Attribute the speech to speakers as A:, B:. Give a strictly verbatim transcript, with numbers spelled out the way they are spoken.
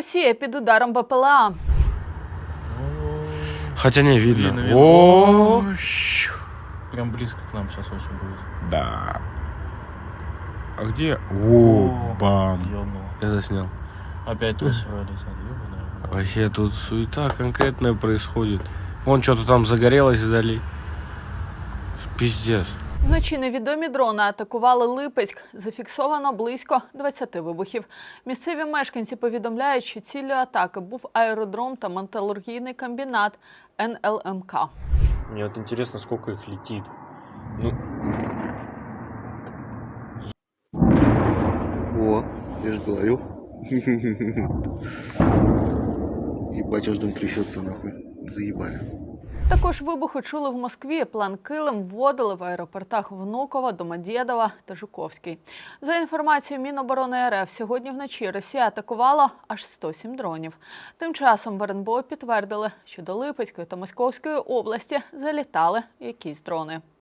A: Росія під ударом БПЛА.
B: Хотя не видно.
C: Видно, видно.
B: О,
C: Прям близко к нам сейчас очень будет.
B: да. А где? О, бам.
C: Ёбнуло.
B: Я заснял.
C: Опять тросси летят. Ёбаная.
B: Вообще тут суета конкретная происходит. Вон что-то там загорелось вдали. Пиздец.
A: Вночі невідомі дрони атакували Липецьк. Зафіксовано близько двадцяти вибухів. Місцеві мешканці повідомляють, що ціллю атаки був аеродром та металургійний комбінат ен ел ем ка.
D: Мне вот интересно, сколько их летит. Ну,
E: О, я же говорю. Ебать, аж дом трясется нахуй. Заебали.
A: Також вибухи чули в Москві. План «Килим» вводили в аеропортах Внуково, Домодєдова та Жуковський. За інформацією Міноборони ер еф, сьогодні вночі Росія атакувала аж сто сім дронів. Тим часом в ер ен бе о підтвердили, що до Липецької та Московської області залітали якісь дрони.